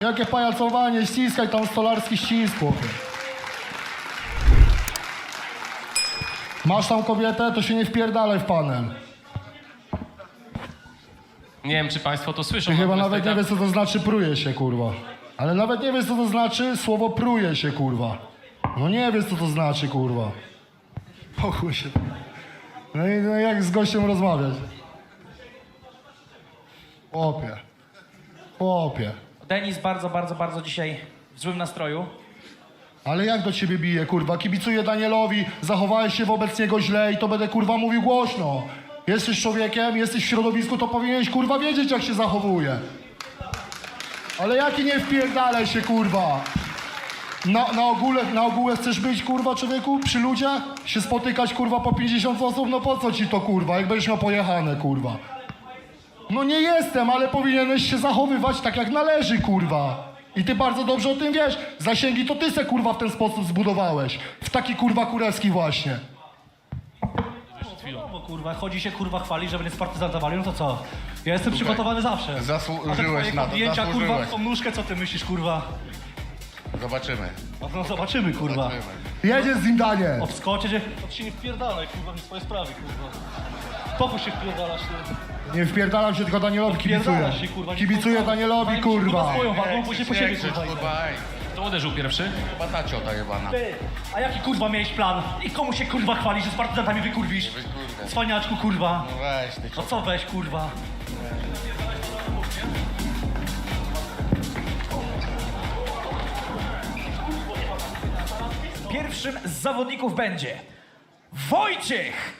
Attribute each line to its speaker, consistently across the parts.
Speaker 1: Jakie pajacowanie, ściskaj tam stolarski ścisk, chłopie. Masz tam kobietę, to się nie wpierdalaj w panel.
Speaker 2: Nie wiem, czy państwo to słyszą.
Speaker 1: Ty chyba
Speaker 2: natomiast
Speaker 1: nawet nie wiesz, co to znaczy pruje się, kurwa. Ale nawet nie wiesz, co to znaczy słowo pruje się, kurwa. No nie wiesz, co to znaczy, kurwa. Pochuj się. No i jak z gościem rozmawiać? Chłopie. Chłopie.
Speaker 3: Denis bardzo dzisiaj w złym nastroju.
Speaker 1: Ale jak do ciebie bije, kurwa? Kibicuję Danielowi, zachowałeś się wobec niego źle i to będę, kurwa, mówił głośno. Jesteś człowiekiem, jesteś w środowisku, to powinieneś, kurwa, wiedzieć, jak się zachowuje. Ale jaki nie wpierdalaj się, kurwa? Na ogóle chcesz być, kurwa, człowieku? Przy ludziach? Się spotykać, kurwa, po 50 osób? No po co ci to, kurwa? Jak będziesz miał pojechane, kurwa. No nie jestem, ale powinieneś się zachowywać tak, jak należy, kurwa. I ty bardzo dobrze o tym wiesz. Zasięgi to ty se, kurwa, w ten sposób zbudowałeś. W taki, kurwa, kurewski właśnie.
Speaker 3: No kurwa, chodzi się kurwa chwali, że będzie z partyzantowali, no to co? Ja jestem przygotowany zawsze.
Speaker 4: Zasłużyłeś na to,
Speaker 3: zdjęcia, kurwa,
Speaker 4: zasłużyłeś.
Speaker 3: tą nóżkę, co ty myślisz, kurwa?
Speaker 4: Zobaczymy.
Speaker 3: No zobaczymy, kurwa.
Speaker 4: Zobaczymy.
Speaker 1: Jedziesz z nim, Daniel.
Speaker 3: Obskocie, że... To się nie wpierdalaj, kurwa, w swoje sprawy, kurwa. Spokój się wpierdalasz, ty.
Speaker 1: Nie wpierdalam się, tylko Danielowi kibicuję.
Speaker 3: Wpierdalasz się, kurwa.
Speaker 1: Kibicuję Danielowi, kurwa.
Speaker 3: Swoją wagą, później po siebie, kurwa.
Speaker 4: Kurwa, ej.
Speaker 2: Kto uderzył pierwszy?
Speaker 4: Chyba ta ciota jebana.
Speaker 3: Ty, a jaki kurwa miałeś plan? I komu się kurwa chwali, że z partyzantami wykurwisz?
Speaker 4: Kurde.
Speaker 3: Cwaniaczku, kurwa.
Speaker 4: No weź ty.
Speaker 3: No co weź, kurwa? Pierwszym z zawodników będzie Wojciech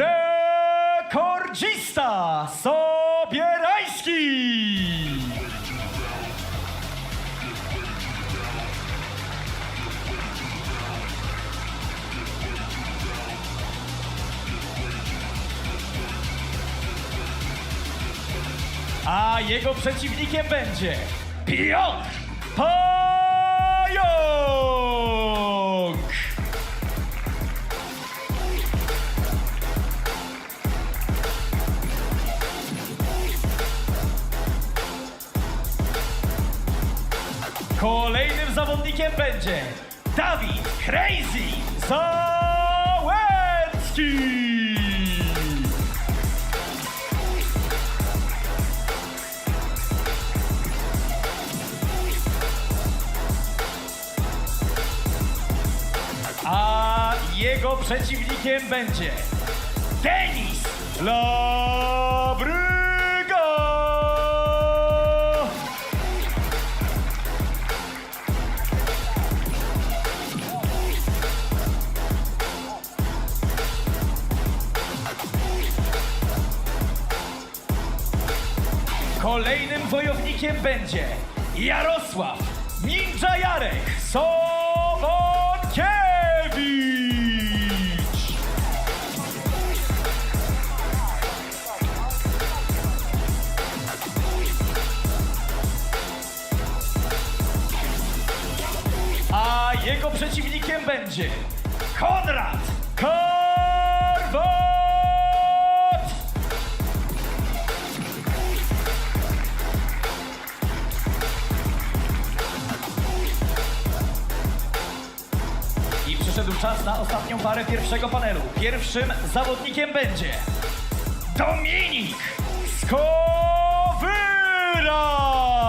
Speaker 3: Rekordzista Sobierański. A jego przeciwnikiem będzie Piotr Pająk! Kolejnym zawodnikiem będzie Dawid Crazy Załęcki! A jego przeciwnikiem będzie Denis Labryga! Kolejnym wojownikiem będzie Jarosław Ninja Jarek Sobotkiewicz! A jego przeciwnikiem będzie Konrad Karwat! I przyszedł czas na ostatnią parę pierwszego panelu. Pierwszym zawodnikiem będzie Dominik Skowyra!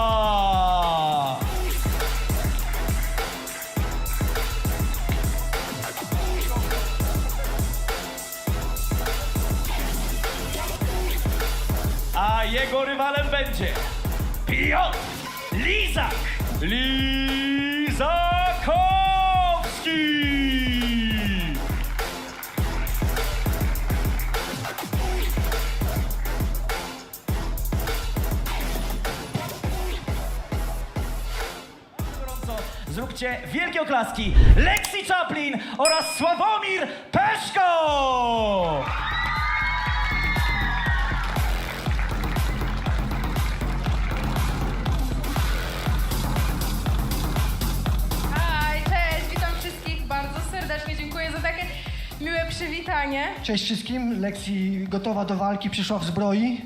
Speaker 3: A jego rywalem będzie Piotr Lizakowski! Gorąco zróbcie wielkie oklaski Lexi Chaplin oraz Sławomir Peszko!
Speaker 5: Hej, cześć, witam wszystkich bardzo serdecznie, dziękuję za takie miłe przywitanie.
Speaker 6: Cześć wszystkim, Lexi gotowa do walki, przyszła w zbroi.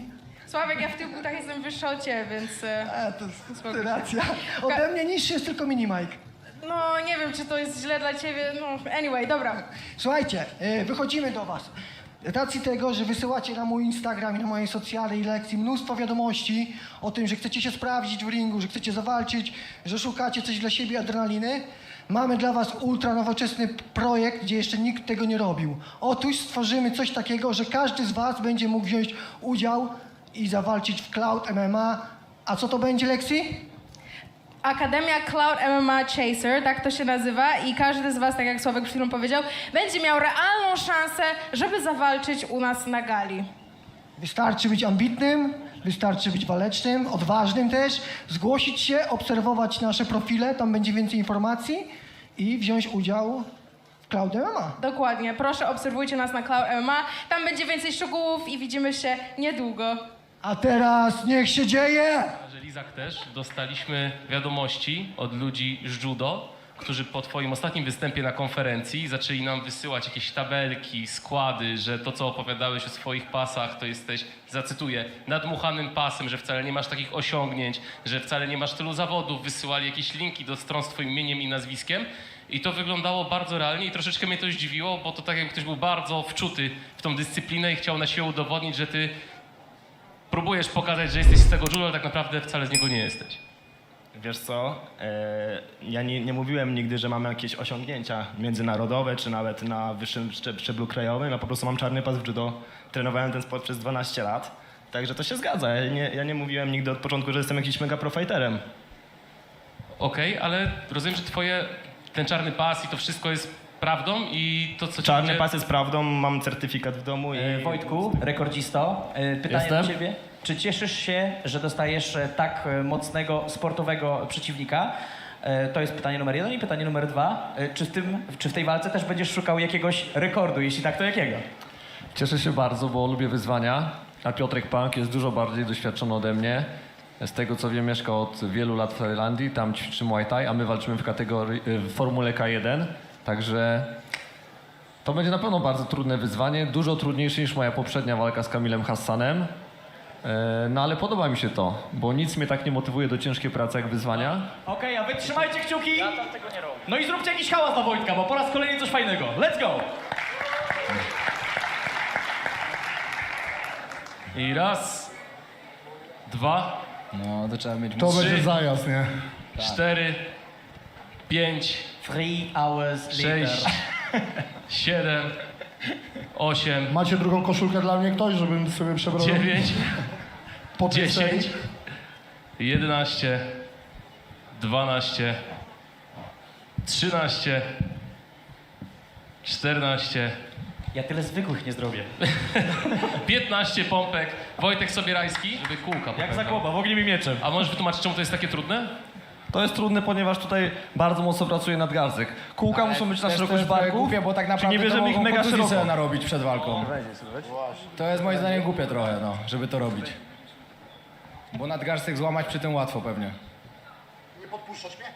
Speaker 5: Sławek, ja w tych butach jestem wyższa od ciebie, więc...
Speaker 6: To jest racja. Ode mnie niższy jest tylko mini Mike.
Speaker 5: No, nie wiem, czy to jest źle dla ciebie, no, anyway, dobra.
Speaker 6: Słuchajcie, wychodzimy do was. Z racji tego, że wysyłacie na mój Instagram i na moje socjale i lekcji mnóstwo wiadomości o tym, że chcecie się sprawdzić w ringu, że chcecie zawalczyć, że szukacie coś dla siebie, adrenaliny, mamy dla was ultra nowoczesny projekt, gdzie jeszcze nikt tego nie robił. Otóż stworzymy coś takiego, że każdy z was będzie mógł wziąć udział i zawalczyć w Cloud MMA. A co to będzie, Lexi?
Speaker 5: Akademia Cloud MMA Chaser, tak to się nazywa i każdy z was, tak jak Sławek przed chwilą powiedział, będzie miał realną szansę, żeby zawalczyć u nas na gali.
Speaker 6: Wystarczy być ambitnym, wystarczy być walecznym, odważnym też, zgłosić się, obserwować nasze profile, tam będzie więcej informacji i wziąć udział w Cloud MMA.
Speaker 5: Dokładnie, proszę obserwujcie nas na Cloud MMA, tam będzie więcej szczegółów i widzimy się niedługo.
Speaker 6: A teraz niech się dzieje!
Speaker 2: Że Lizak też dostaliśmy wiadomości od ludzi z judo, którzy po twoim ostatnim występie na konferencji zaczęli nam wysyłać jakieś tabelki, składy, że to, co opowiadałeś o swoich pasach, to jesteś, zacytuję, nadmuchanym pasem, że wcale nie masz takich osiągnięć, że wcale nie masz tylu zawodów. Wysyłali jakieś linki do stron z twoim imieniem i nazwiskiem i to wyglądało bardzo realnie i troszeczkę mnie to zdziwiło, bo to tak jak ktoś był bardzo wczuty w tą dyscyplinę i chciał na siłę udowodnić, że ty próbujesz pokazać, że jesteś z tego judo, ale tak naprawdę wcale z niego nie jesteś.
Speaker 7: Wiesz co, ja nie mówiłem nigdy, że mam jakieś osiągnięcia międzynarodowe, czy nawet na wyższym szczeblu krajowym. Ja po prostu mam czarny pas w judo, trenowałem ten sport przez 12 lat, także to się zgadza. Ja nie mówiłem nigdy od początku, że jestem jakimś mega profajterem.
Speaker 2: Okej, ale rozumiem, że ten czarny pas i to wszystko jest prawdą i to, co ci
Speaker 7: Czarny
Speaker 2: ludzie-
Speaker 7: pas jest prawdą, mam certyfikat w domu i...
Speaker 3: Wojtku, rekordzisto, pytanie do ciebie. Czy cieszysz się, że dostajesz tak mocnego sportowego przeciwnika? To jest pytanie numer 1 i pytanie numer 2. Czy w tej walce też będziesz szukał jakiegoś rekordu? Jeśli tak, to jakiego?
Speaker 8: Cieszę się bardzo, bo lubię wyzwania, a Piotrek Punk jest dużo bardziej doświadczony ode mnie. Z tego co wiem, mieszka od wielu lat w Tajlandii, tam ćwiczy Muay Thai, a my walczymy w kategorii w Formule K1, także to będzie na pewno bardzo trudne wyzwanie, dużo trudniejsze niż moja poprzednia walka z Kamilem Hassanem. No ale podoba mi się to, bo nic mnie tak nie motywuje do ciężkiej pracy jak wyzwania.
Speaker 3: Okej, a wy trzymajcie kciuki. No i zróbcie jakiś hałas dla Wojtka, bo po raz kolejny coś fajnego. Let's go!
Speaker 2: I raz, dwa,
Speaker 9: No, to trzeba mieć
Speaker 1: To
Speaker 2: Trzy.
Speaker 1: będzie zajazd, nie?
Speaker 2: 4, 5,
Speaker 3: 3 hours later.
Speaker 2: 6, 7, 8,
Speaker 1: Macie drugą koszulkę dla mnie ktoś, żebym sobie przebrał
Speaker 2: 9,
Speaker 1: po tej
Speaker 2: 10,
Speaker 1: serii?
Speaker 2: 11, 12, 13, 14,
Speaker 3: Ja tyle zwykłych nie zrobię.
Speaker 2: 15 pompek. Wojtek Sobierajski, żeby kółka
Speaker 3: Jak
Speaker 2: pokazał.
Speaker 3: Zagłoba, w ogniu mi mieczem.
Speaker 2: A możesz wytłumaczyć, czemu to jest takie trudne?
Speaker 8: To jest trudne, ponieważ tutaj bardzo mocno pracuje nadgarstek. Kółka muszą być na szerokość barku.
Speaker 9: głupie, bo tak naprawdę
Speaker 8: nie bierzemy
Speaker 9: to
Speaker 8: ich
Speaker 9: mogą
Speaker 8: mega
Speaker 9: kontuzji
Speaker 8: szeroko.
Speaker 9: sobie narobić przed walką. To jest moim zdaniem głupie trochę, no, żeby to robić. Bo nadgarstek złamać przy tym łatwo pewnie.
Speaker 1: Nie podpuszczasz mnie?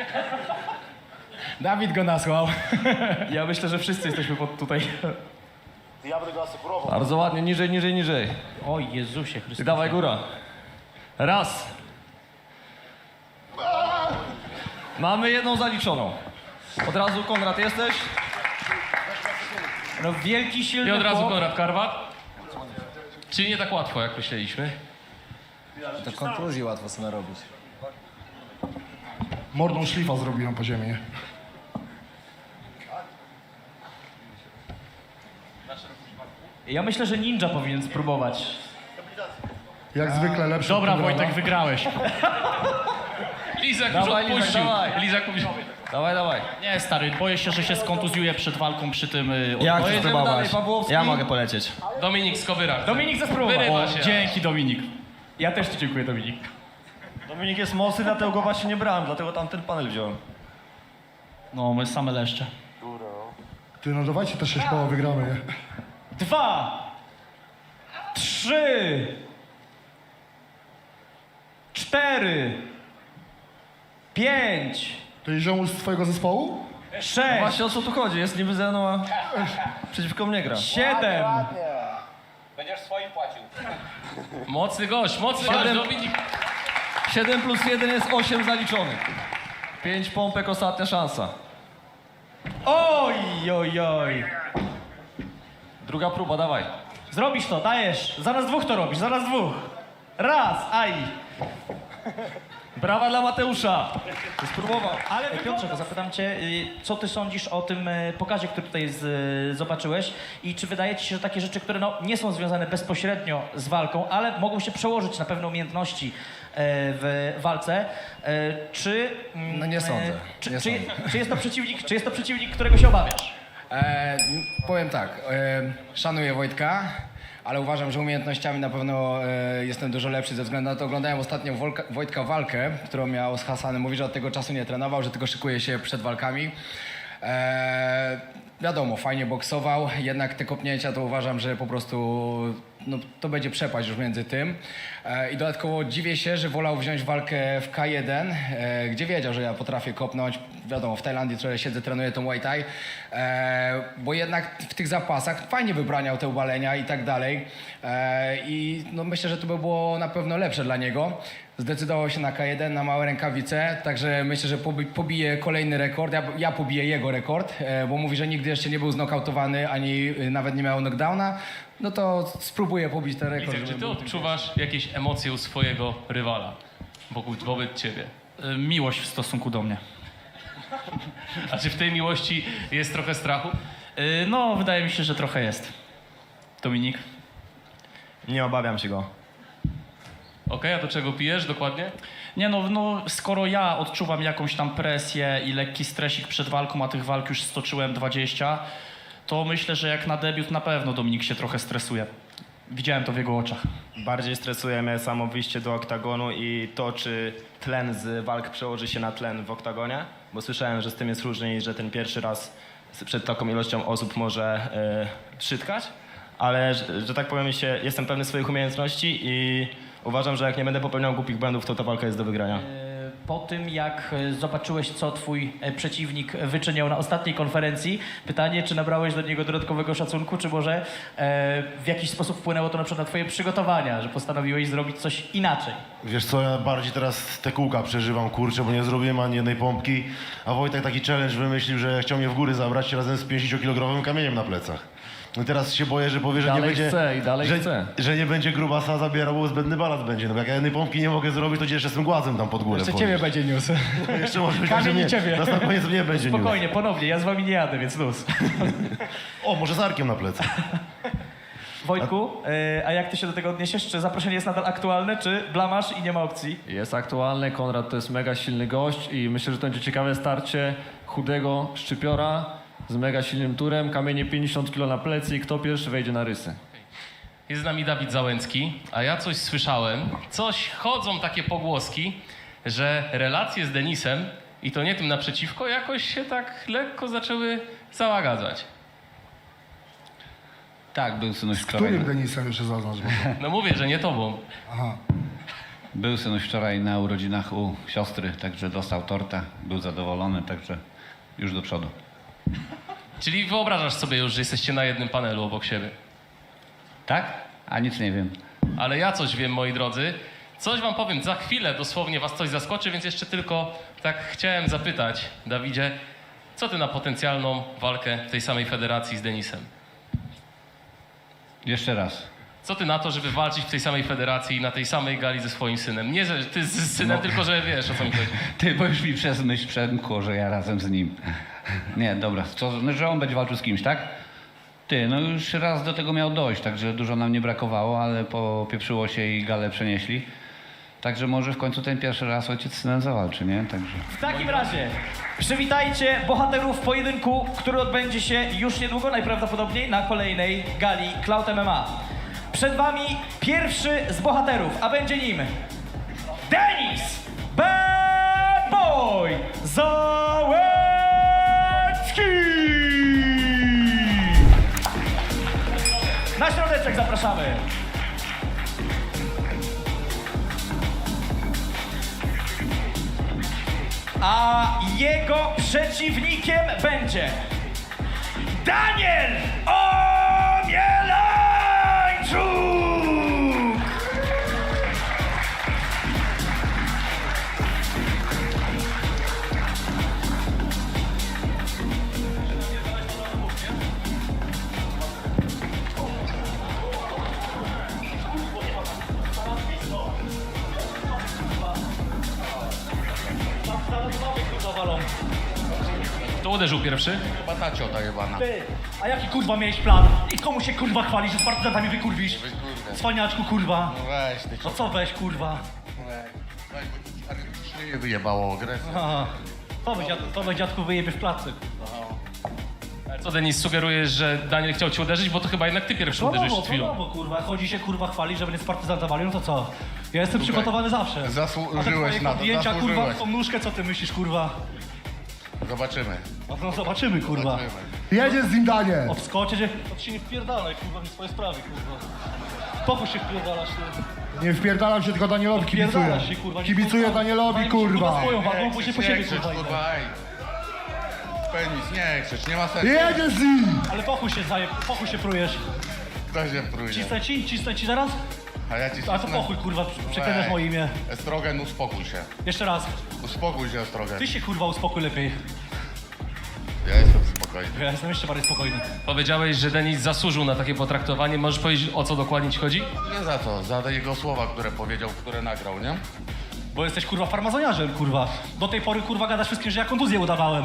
Speaker 9: Dawid go nasłał.
Speaker 3: Ja myślę, że wszyscy jesteśmy tutaj.
Speaker 1: Ja będę go asekurował.
Speaker 8: Bardzo ładnie, niżej, niżej, niżej.
Speaker 3: O Jezusie
Speaker 8: I
Speaker 3: Chrystusie.
Speaker 8: dawaj góra. Raz. Mamy jedną zaliczoną. Od razu Konrad jesteś?
Speaker 3: No wielki, silny
Speaker 2: I od razu
Speaker 3: chłop.
Speaker 2: Konrad Karwat. Czyli nie tak łatwo, jak myśleliśmy.
Speaker 9: To kontuzji łatwo sobie narobić.
Speaker 1: Mordą szlifa zrobiłem po ziemi, nie?
Speaker 3: Ja myślę, że ninja powinien spróbować.
Speaker 1: Jak zwykle lepszy.
Speaker 3: Dobra,
Speaker 1: od Konrada.
Speaker 3: Wojtek, wygrałeś.
Speaker 2: Lizak
Speaker 8: Dawaj,
Speaker 2: już
Speaker 8: Lizak,
Speaker 2: odpuścił.
Speaker 8: dawaj.
Speaker 2: Lizak mówi...
Speaker 8: Dawaj, dawaj.
Speaker 10: Nie, stary, boję się, że się skontuzjuję przed walką przy tym...
Speaker 7: Ja chcę
Speaker 8: Pojedziemy
Speaker 7: spróbować.
Speaker 8: dalej, Pawłowski.
Speaker 7: Ja mogę polecieć.
Speaker 2: Dominik Skowyrak.
Speaker 3: Dominik zaspróbował.
Speaker 2: Wyrywa się.
Speaker 10: Dzięki, Dominik.
Speaker 3: Ja też ci dziękuję, Dominik.
Speaker 8: Dominik jest mocny, dlatego go właśnie nie brałem, dlatego tam ten panel wziąłem.
Speaker 10: No, my same leszcze.
Speaker 1: Ty, no dawajcie te 6 koła, wygramy, nie?
Speaker 3: 2, 3, 4, 5,
Speaker 1: To jest ziomuś z twojego zespołu?
Speaker 3: 6,
Speaker 8: Właśnie o co tu chodzi? Jest niby ze mną, a przeciwko mnie gra.
Speaker 3: 7,
Speaker 4: Będziesz swoim płacił.
Speaker 2: Mocny gość, Dominik.
Speaker 8: 7 plus 1 jest 8 zaliczonych. 5 pompek, ostatnia szansa.
Speaker 3: Oj, oj, oj.
Speaker 8: Druga próba, dawaj.
Speaker 3: Zrobisz to, dajesz. Zaraz dwóch to robisz, zaraz dwóch. Raz, aj.
Speaker 8: Brawa dla Mateusza. Spróbował.
Speaker 3: Ale Piotrze, zapytam cię, co ty sądzisz o tym pokazie, który tutaj zobaczyłeś i czy wydaje ci się, że takie rzeczy, które nie są związane bezpośrednio z walką, ale mogą się przełożyć na pewne umiejętności w walce, czy...
Speaker 9: No nie sądzę.
Speaker 3: Czy jest to przeciwnik, którego się obawiasz?
Speaker 9: Powiem tak, szanuję Wojtka, ale uważam, że umiejętnościami na pewno jestem dużo lepszy ze względu na to, oglądałem ostatnio Wojtka walkę, którą miał z Hasanem. Mówi, że od tego czasu nie trenował, że tylko szykuje się przed walkami. Wiadomo, fajnie boksował, jednak te kopnięcia to uważam, że po prostu no, to będzie przepaść już między tym. I dodatkowo dziwię się, że wolał wziąć walkę w K1, gdzie wiedział, że ja potrafię kopnąć. Wiadomo, w Tajlandii trochę siedzę, trenuję tą Muay Thai, bo jednak w tych zapasach fajnie wybraniał te ubalenia i tak dalej. I no, myślę, że to by było na pewno lepsze dla niego. Zdecydował się na K1, na małe rękawice, także myślę, że pobije kolejny rekord. Ja pobiję jego rekord, bo mówi, że nigdy jeszcze nie był znokautowany, ani nawet nie miał knockdowna. No to spróbuję pobić ten rekord.
Speaker 2: Widzę, czy ty odczuwasz jakieś emocje u swojego rywala wobec ciebie?
Speaker 10: Miłość w stosunku do mnie.
Speaker 2: A czy w tej miłości jest trochę strachu?
Speaker 10: No, wydaje mi się, że trochę jest. Dominik?
Speaker 7: Nie obawiam się go.
Speaker 2: Okej, a do czego pijesz dokładnie?
Speaker 10: Nie no, skoro ja odczuwam jakąś tam presję i lekki stresik przed walką, a tych walk już stoczyłem 20, to myślę, że jak na debiut na pewno Dominik się trochę stresuje. Widziałem to w jego oczach.
Speaker 7: Bardziej stresuje mnie samo wyjście do oktagonu i to, czy tlen z walk przełoży się na tlen w oktagonie, bo słyszałem, że z tym jest różnie i że ten pierwszy raz przed taką ilością osób może przytkać, ale, że tak powiem, jestem pewny swoich umiejętności i uważam, że jak nie będę popełniał głupich błędów, to ta walka jest do wygrania.
Speaker 3: Po tym, jak zobaczyłeś, co twój przeciwnik wyczyniał na ostatniej konferencji, pytanie, czy nabrałeś do niego dodatkowego szacunku, czy może w jakiś sposób wpłynęło to na przykład na twoje przygotowania, że postanowiłeś zrobić coś inaczej?
Speaker 11: Wiesz co, ja bardziej teraz te kółka przeżywam, kurczę, bo nie zrobiłem ani jednej pompki, a Wojtek taki challenge wymyślił, że chciał mnie w góry zabrać razem z 50-kilogramowym kamieniem na plecach. No i teraz się boję, że powie, że
Speaker 8: Dalej
Speaker 11: nie będzie,
Speaker 8: chce i dalej chce.
Speaker 11: że nie będzie grubasa zabierał, bo zbędny balans będzie. No bo jak ja jednej pompki nie mogę zrobić, to gdzie jeszcze z tym głazem tam pod górę
Speaker 9: Jeszcze
Speaker 11: podnieść.
Speaker 9: ciebie będzie niósł.
Speaker 11: Jeszcze może być tak, że
Speaker 9: Kamień i
Speaker 11: mnie,
Speaker 9: ciebie.
Speaker 11: na koniec mnie będzie niósł.
Speaker 3: Spokojnie, ponownie, ja z wami nie jadę, więc luz.
Speaker 11: O, może z arkiem na plecach.
Speaker 3: Wojtku, a jak ty się do tego odniesiesz? Czy zaproszenie jest nadal aktualne, czy blamasz i nie ma opcji?
Speaker 8: Jest aktualny, Konrad to jest mega silny gość i myślę, że to będzie ciekawe starcie chudego szczypiora z mega silnym turem, kamienie 50 kg na plecy i kto pierwszy wejdzie na rysy.
Speaker 2: Jest z nami Dawid Załęcki, a ja coś słyszałem, chodzą takie pogłoski, że relacje z Denisem, i to nie tym naprzeciwko, jakoś się tak lekko zaczęły załagadzać.
Speaker 4: Tak, był synuś
Speaker 1: Z
Speaker 4: wczoraj.
Speaker 1: którym Denisem jeszcze zaznacz?
Speaker 2: No mówię, że nie tobą.
Speaker 1: Aha.
Speaker 4: Był synuś wczoraj na urodzinach u siostry, także dostał tortę, był zadowolony, także już do przodu.
Speaker 2: Czyli wyobrażasz sobie już, że jesteście na jednym panelu obok siebie.
Speaker 4: Tak? A nic nie wiem.
Speaker 2: Ale ja coś wiem, moi drodzy. Coś wam powiem, za chwilę dosłownie was coś zaskoczy, więc jeszcze tylko tak chciałem zapytać, Dawidzie, co ty na potencjalną walkę w tej samej federacji z Denisem?
Speaker 4: Jeszcze raz.
Speaker 2: Co ty na to, żeby walczyć w tej samej federacji i na tej samej gali ze swoim synem? Nie, że ty z synem, tylko że wiesz, o co mi chodzi.
Speaker 4: Ty, bo już mi przez myśl przemkło, że ja razem z nim. Nie, dobra, no, że on będzie walczył z kimś, tak? Ty, no już raz do tego miał dojść, także dużo nam nie brakowało, ale popieprzyło się i galę przenieśli. Także może w końcu ten pierwszy raz ojciec z synem zawalczy, nie? Także...
Speaker 3: W takim razie przywitajcie bohaterów pojedynku, który odbędzie się już niedługo, najprawdopodobniej na kolejnej gali Cloud MMA. Przed wami pierwszy z bohaterów, a będzie nim Denis Bad Boy Załęcki! Na środeczek zapraszamy. A jego przeciwnikiem będzie Daniel Omielańczuk!
Speaker 2: Kto uderzył pierwszy?
Speaker 4: Chyba ta ciota jebana.
Speaker 10: Ty, a jaki kurwa miałeś plan? I komu się kurwa chwalisz, że z partyzantami wykurwisz? Cwaniaczku kurwa.
Speaker 4: No weź, ty
Speaker 10: No co weź kurwa?
Speaker 4: nie wyjebało agresję.
Speaker 10: Aha. To weź dziadku wyjebie w klatce.
Speaker 2: Ale co, Denis, sugerujesz, że Daniel chciał cię uderzyć, bo to chyba jednak ty pierwszy uderzysz przed chwilą.
Speaker 10: No kurwa, chodzi się kurwa chwali, że będzie z partyzantowali, no to co? Ja jestem przygotowany zawsze.
Speaker 4: Zasłużyłeś na to,
Speaker 10: Zdjęcia kurwa,
Speaker 4: zasłużyłeś.
Speaker 10: tą nóżkę, co ty myślisz kurwa?
Speaker 4: Zobaczymy.
Speaker 10: No zobaczymy kurwa.
Speaker 1: Jedzie z nim Daniel.
Speaker 10: Obskoczyć, to ty się nie wpierdalaj kurwa, w swoje sprawy kurwa. Pokój się wpierdalasz ty.
Speaker 1: Nie wpierdalam się, tylko Danielowi kibicuję.
Speaker 10: Wpierdalasz się kurwa.
Speaker 1: Kibicuję Danielowi, kurwa.
Speaker 10: Swoją walką, później po siebie kurwa.
Speaker 4: kurwa, ej. Penis, nie krzycz, nie ma sensu.
Speaker 1: Jedzie z nim.
Speaker 10: Ale pochuj się prujesz.
Speaker 4: Kto się prójdzie?
Speaker 10: Cisnę ci zaraz?
Speaker 4: A ja ci
Speaker 10: A to pochuj kurwa, przeklinasz moje imię.
Speaker 4: Estrogen, uspokój się.
Speaker 10: Jeszcze raz.
Speaker 4: Uspokój się, Estrogen.
Speaker 10: Ty się kurwa uspokój lepiej.
Speaker 4: Ja jestem spokojny.
Speaker 10: Ja jestem jeszcze bardziej spokojny.
Speaker 2: Powiedziałeś, że Denis zasłużył na takie potraktowanie. Możesz powiedzieć, o co dokładnie ci chodzi?
Speaker 4: Nie za to, za te jego słowa, które powiedział, które nagrał, nie?
Speaker 10: Bo jesteś kurwa farmazoniarzem kurwa. Do tej pory kurwa gadasz wszystkim, że ja kontuzję udawałem.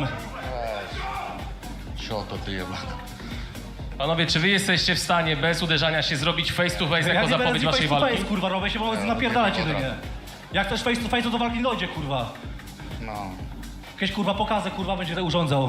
Speaker 4: Weź. Cioto ty jeba.
Speaker 2: Panowie, czy wy jesteście w stanie bez uderzania się zrobić face to face jako
Speaker 10: nie będę
Speaker 2: zapowiedź
Speaker 10: z nim
Speaker 2: waszej
Speaker 10: face to
Speaker 2: walki?
Speaker 10: face, kurwa, robię się, bo napierdalać jedynie. Jak też face to face, to do walki nie dojdzie kurwa.
Speaker 4: No.
Speaker 10: Jakieś kurwa pokazy kurwa będzie to urządzał.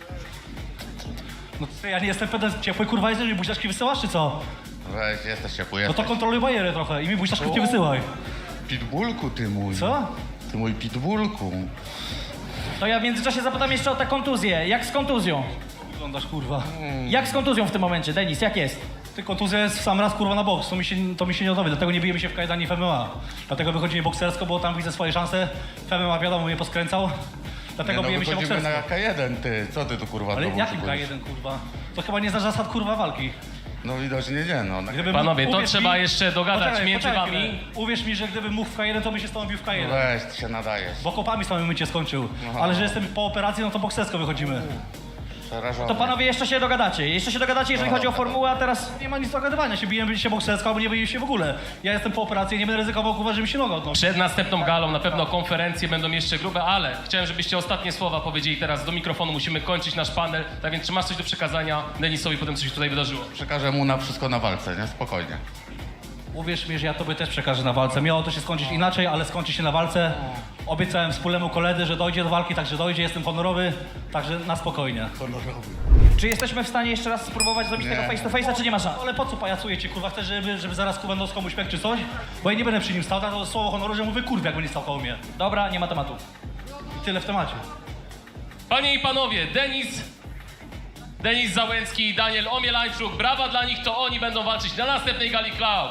Speaker 10: No ty, ja nie jestem pedem ciepły kurwa, jesteś mi buźniaczki wysyłasz czy co?
Speaker 4: Weź, jesteś ciepły,
Speaker 10: No to
Speaker 4: jesteś.
Speaker 10: kontroluj bajerę trochę i mi buźniaczków nie wysyłaj.
Speaker 4: Pitbullku ty mój.
Speaker 10: Co?
Speaker 4: Ty mój pitbullku.
Speaker 3: To ja w międzyczasie zapytam jeszcze o tę kontuzję. Jak z kontuzją?
Speaker 10: Wyglądasz kurwa.
Speaker 3: Jak z kontuzją w tym momencie? Denis, jak jest?
Speaker 10: Ty kontuzja jest w sam raz kurwa na boks, to mi się nie odnowi, dlatego nie bijemy się w K1 ani w MMA. Dlatego wychodzimy boksersko, bo tam widzę swoje szanse. W MMA wiadomo mnie poskręcał. Dlatego bijemy się
Speaker 4: wychodzimy
Speaker 10: boksersko.
Speaker 4: na K1, ty. Co ty tu kurwa
Speaker 10: Ale
Speaker 4: znowu
Speaker 10: jakim
Speaker 4: szykujesz?
Speaker 10: K1 kurwa? To chyba nie znasz zasad kurwa walki.
Speaker 4: No widocznie nie, no.
Speaker 10: Gdybym
Speaker 2: Panowie,
Speaker 10: mógł-
Speaker 2: to
Speaker 10: uwierz
Speaker 2: trzeba
Speaker 10: mi-
Speaker 2: jeszcze dogadać
Speaker 10: Poczekaj,
Speaker 2: między
Speaker 10: poczekaj
Speaker 2: wami.
Speaker 10: chwilę. Uwierz mi, że gdybym mógł w K1, to bym się z tobą bił w K1.
Speaker 4: Weź, ty się nadajesz.
Speaker 10: Bo kopami z tobą mycie skończył. Ale że jestem po operacji, no to boksersko wychodzimy.
Speaker 4: Przerażony.
Speaker 3: To panowie jeszcze się dogadacie. Jeszcze się dogadacie, jeżeli chodzi o formułę, a teraz...
Speaker 10: Nie ma nic do dogadywania, się bijemy się boksersko, albo nie bijemy się w ogóle. Ja jestem po operacji, nie będę ryzykował kurwa, żeby się noga odnosił.
Speaker 2: Przed następną galą na pewno konferencje będą jeszcze grube, ale chciałem, żebyście ostatnie słowa powiedzieli teraz do mikrofonu. Musimy kończyć nasz panel. Tak więc, czy masz coś do przekazania Denisowi po tym, co się tutaj wydarzyło?
Speaker 4: Przekażę mu na wszystko na walce, nie? Spokojnie.
Speaker 10: Uwierz mi, że ja tobie też przekażę na walce. Miało to się skończyć inaczej, ale skończy się na walce. Obiecałem wspólnemu koledze, że dojdzie do walki, także dojdzie, jestem honorowy, także na spokojnie.
Speaker 3: Czy jesteśmy w stanie jeszcze raz spróbować zrobić tego face to face'a, czy nie ma szans?
Speaker 10: Ale po co pajacujecie, kurwa? Chcesz, żeby zaraz kurwa nos komuś pek czy coś? Bo ja nie będę przy nim stał, tak to słowo honoru, że mówię kurwa, jakby nie stał koło mnie.
Speaker 3: Dobra, nie ma tematu.
Speaker 10: I tyle w temacie.
Speaker 2: Panie i panowie, Denis Załęcki i Daniel Omielańczuk. Brawa dla nich, to oni będą walczyć na następnej gali Cloud.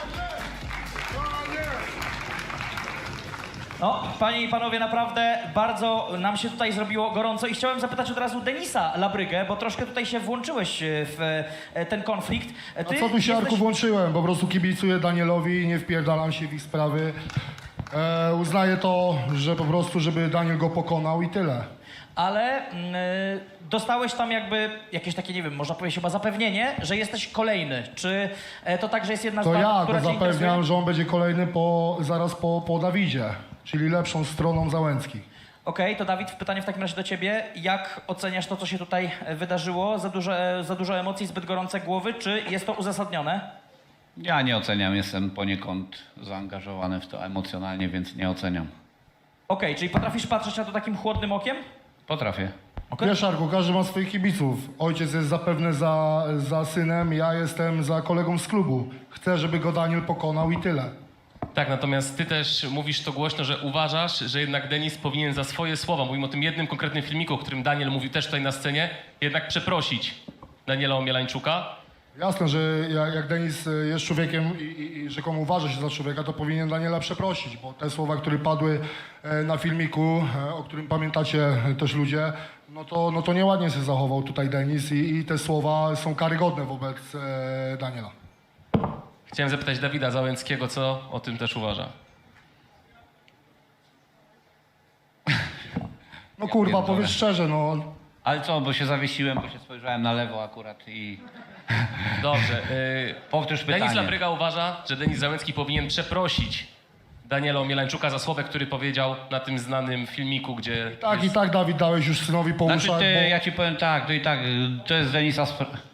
Speaker 3: No, panie i panowie, naprawdę bardzo nam się tutaj zrobiło gorąco i chciałem zapytać od razu Denisa Labrygę, bo troszkę tutaj się włączyłeś w ten konflikt.
Speaker 1: A co tu się, Arku, włączyłem? Po prostu kibicuję Danielowi, nie wpierdalam się w ich sprawy. Uznaję to, że po prostu, żeby Daniel go pokonał i tyle.
Speaker 3: Ale dostałeś tam jakby jakieś takie, nie wiem, można powiedzieć chyba zapewnienie, że jesteś kolejny. Czy to tak, że jest jedna z
Speaker 1: To
Speaker 3: walk,
Speaker 1: ja
Speaker 3: która
Speaker 1: go
Speaker 3: cię interesuje?
Speaker 1: zapewniam, że on będzie kolejny zaraz po Dawidzie, czyli lepszą stroną Załęckich.
Speaker 3: Okej, to Dawid, pytanie w takim razie do ciebie. Jak oceniasz to, co się tutaj wydarzyło? Za dużo emocji, zbyt gorące głowy, czy jest to uzasadnione?
Speaker 4: Ja nie oceniam, jestem poniekąd zaangażowany w to emocjonalnie, więc nie oceniam.
Speaker 3: Okej, czyli potrafisz patrzeć na to takim chłodnym okiem?
Speaker 4: Potrafię.
Speaker 1: Wiesz, Arku, każdy ma swoich kibiców. Ojciec jest zapewne za synem, ja jestem za kolegą z klubu. Chcę, żeby go Daniel pokonał i tyle.
Speaker 2: Tak, natomiast ty też mówisz to głośno, że uważasz, że jednak Denis powinien za swoje słowa, mówimy o tym jednym konkretnym filmiku, o którym Daniel mówił też tutaj na scenie, jednak przeprosić Daniela Omielańczuka.
Speaker 1: Jasne, że jak Denis jest człowiekiem i rzekomo uważa się za człowieka, to powinien Daniela przeprosić, bo te słowa, które padły na filmiku, o którym pamiętacie też ludzie, no to nieładnie się zachował tutaj Denis i te słowa są karygodne wobec Daniela.
Speaker 2: Chciałem zapytać Dawida Załęckiego, co o tym też uważa.
Speaker 1: No kurwa,
Speaker 4: pierdolę.
Speaker 1: powiedz szczerze, no.
Speaker 4: Ale co, bo się zawiesiłem, bo się spojrzałem na lewo akurat i...
Speaker 2: Dobrze.
Speaker 4: Powtórz pytanie.
Speaker 2: Denis Labryga uważa, że Denis Załęcki powinien przeprosić Daniela Omielańczuka za słowę, który powiedział na tym znanym filmiku, gdzie...
Speaker 1: Tak i tak, Dawid, dałeś już synowi po
Speaker 4: Znaczy
Speaker 1: uszach,
Speaker 4: ty,
Speaker 1: bo...
Speaker 4: ja ci powiem tak, to i tak, to jest Denisa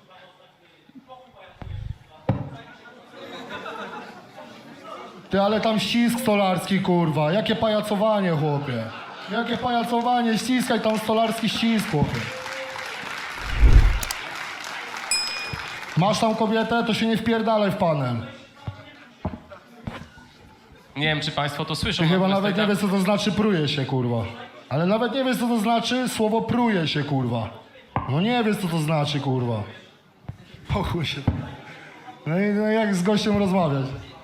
Speaker 1: Ty, ale tam ścisk stolarski, kurwa. Jakie pajacowanie, chłopie. Jakie pajacowanie, ściskaj tam stolarski ścisk, chłopie. Masz tam kobietę, to się nie wpierdalaj w panel.
Speaker 2: Nie wiem, czy państwo to słyszą.
Speaker 1: Ty chyba
Speaker 2: natomiast
Speaker 1: nawet nie wiesz, co to znaczy pruje się, kurwa. Ale nawet nie wiesz, co to znaczy słowo pruje się, kurwa. No nie wiesz, co to znaczy, kurwa. Pochuj się. No i jak z gościem rozmawiać?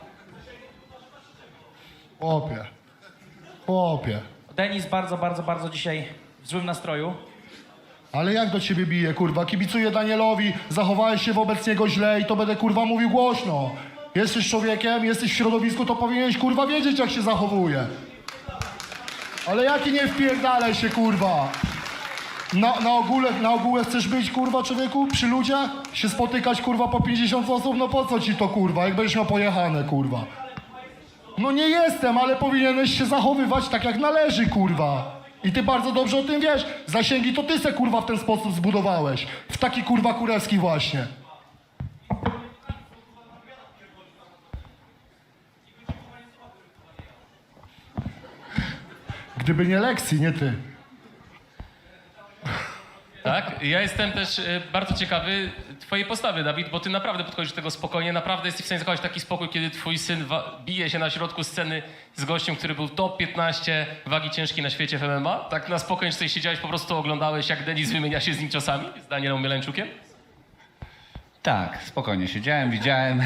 Speaker 1: Chłopie. Chłopie.
Speaker 3: Denis bardzo dzisiaj w złym nastroju.
Speaker 1: Ale jak do ciebie bije, kurwa? Kibicuję Danielowi, zachowałeś się wobec niego źle i to będę, kurwa, mówił głośno. Jesteś człowiekiem, jesteś w środowisku, to powinieneś, kurwa, wiedzieć, jak się zachowuje. Ale jaki nie wpierdalaj się, kurwa? Na ogóle chcesz być, kurwa, człowieku? Przy ludziach? Się spotykać, kurwa, po 50 osób? No po co ci to, kurwa? Jak będziesz miał pojechane, kurwa? No nie jestem, ale powinieneś się zachowywać tak, jak należy, kurwa. I ty bardzo dobrze o tym wiesz. Zasięgi to ty se, kurwa, w ten sposób zbudowałeś. W taki, kurwa, kurewski właśnie. Gdyby nie lekcji, nie ty.
Speaker 2: Tak? Ja jestem też bardzo ciekawy twojej postawy, Dawid, bo ty naprawdę podchodzisz do tego spokojnie, naprawdę jesteś w stanie zachować taki spokój, kiedy twój syn bije się na środku sceny z gościem, który był top 15 wagi ciężkiej na świecie w MMA. Tak na spokojnie sobie siedziałeś, po prostu oglądałeś, jak Denis wymienia się z nim ciosami, z Danielem Omielańczukiem?
Speaker 4: Tak, spokojnie siedziałem, widziałem,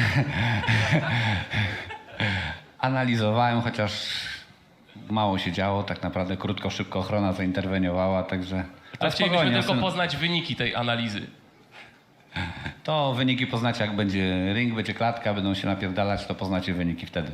Speaker 4: analizowałem, chociaż mało się działo, tak naprawdę krótko, szybko ochrona zainterweniowała, także...
Speaker 2: To chcielibyśmy tylko poznać wyniki tej analizy.
Speaker 4: To wyniki poznacie, jak będzie ring, będzie klatka, będą się napierdalać, to poznacie wyniki wtedy.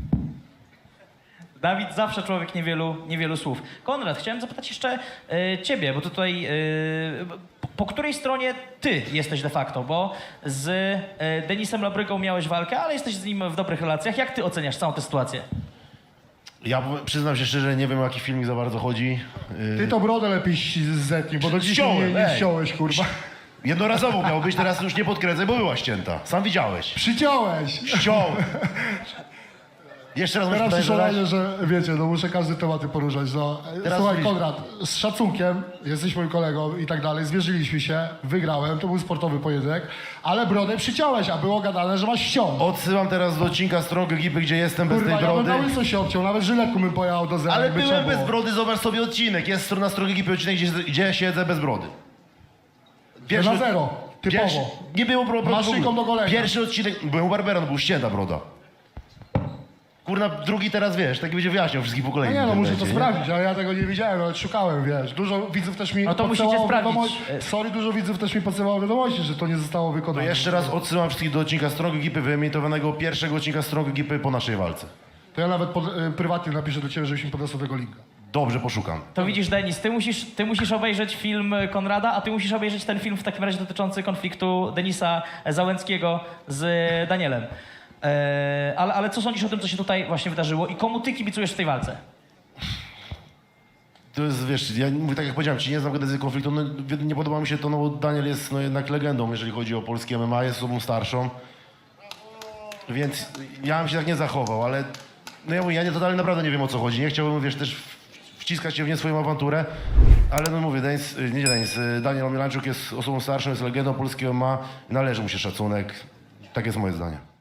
Speaker 3: Dawid zawsze człowiek niewielu słów. Konrad, chciałem zapytać jeszcze ciebie, bo tutaj po której stronie ty jesteś de facto, bo z Denisem Labrygą miałeś walkę, ale jesteś z nim w dobrych relacjach. Jak ty oceniasz całą tę sytuację?
Speaker 11: Ja przyznam się szczerze, nie wiem o jaki filmik za bardzo chodzi.
Speaker 1: Ty to brodę lepiej zetnij, bo do dzisiaj
Speaker 11: Ściąłem,
Speaker 1: nie
Speaker 11: ej.
Speaker 1: ściąłeś, kurwa.
Speaker 11: Jednorazowo miał być, teraz już nie podkręcaj, bo była ścięta. Sam widziałeś.
Speaker 1: Przyciąłeś.
Speaker 11: Ściąłem. Jeszcze raz
Speaker 1: Teraz
Speaker 11: muszę
Speaker 1: przyszło
Speaker 11: zadać.
Speaker 1: razie, że wiecie, no muszę każdy tematy poruszać. No.
Speaker 11: Teraz
Speaker 1: Słuchaj,
Speaker 11: widzisz.
Speaker 1: Konrad, z szacunkiem, jesteś moim kolegą i tak dalej, zwierzyliśmy się, wygrałem, to był sportowy pojedynek, ale brodę przyciąłeś, a było gadane, że masz ściąg.
Speaker 11: Odsyłam teraz do odcinka Strong Ekipy, gdzie jestem bez
Speaker 1: Kurwa,
Speaker 11: tej
Speaker 1: ja bym
Speaker 11: brody.
Speaker 1: na łyso się obciął, nawet żyletką bym pojechał do zera,
Speaker 11: Ale
Speaker 1: jakby
Speaker 11: byłem
Speaker 1: trzeba
Speaker 11: bez
Speaker 1: było.
Speaker 11: brody, zobacz sobie odcinek. Jest na Strong Ekipy odcinek, gdzie siedzę bez brody.
Speaker 1: Na zero, typowo.
Speaker 11: Nie było brody.
Speaker 1: Masz szyjką do golenia.
Speaker 11: Pierwszy odcinek, byłem u Barbera, no był ścięta broda. Kurna, drugi teraz wiesz, taki będzie wyjaśniał wszystkich po kolei.
Speaker 1: No nie, no
Speaker 11: w
Speaker 1: muszę to
Speaker 11: internecie, nie?
Speaker 1: sprawdzić, ale ja tego nie widziałem, nawet szukałem, wiesz. Dużo widzów też mi
Speaker 3: No to musicie
Speaker 1: podsyłało
Speaker 3: sprawdzić.
Speaker 1: wiadomości. Sorry, dużo widzów też mi podsyłało wiadomości, że to nie zostało
Speaker 11: To
Speaker 1: wykonane.
Speaker 11: jeszcze raz odsyłam wszystkich do odcinka Strong Ekipy, wyemitowanego pierwszego odcinka Strong Ekipy po naszej walce.
Speaker 1: To ja nawet prywatnie napiszę do ciebie, żebyś mi podesłał tego linka.
Speaker 11: Dobrze, poszukam.
Speaker 3: To widzisz, Denis, ty musisz obejrzeć film Konrada, a ty musisz obejrzeć ten film w takim razie dotyczący konfliktu Denisa Załęckiego z Danielem. Ale co sądzisz o tym, co się tutaj właśnie wydarzyło i komu ty kibicujesz w tej walce?
Speaker 11: To jest, wiesz, ja mówię tak jak powiedziałem, ci nie znam genezy konfliktu, no, nie podoba mi się to, no bo Daniel jest no, jednak legendą, jeżeli chodzi o polskie MMA, jest osobą starszą, więc ja bym się tak nie zachował, ale no ja mówię, ja totalnie naprawdę nie wiem o co chodzi, nie chciałbym, wiesz, też wciskać się w nie swoją awanturę, ale no mówię, Daniel Omielańczuk jest osobą starszą, jest legendą polskiego MMA, należy mu się szacunek, tak jest moje zdanie.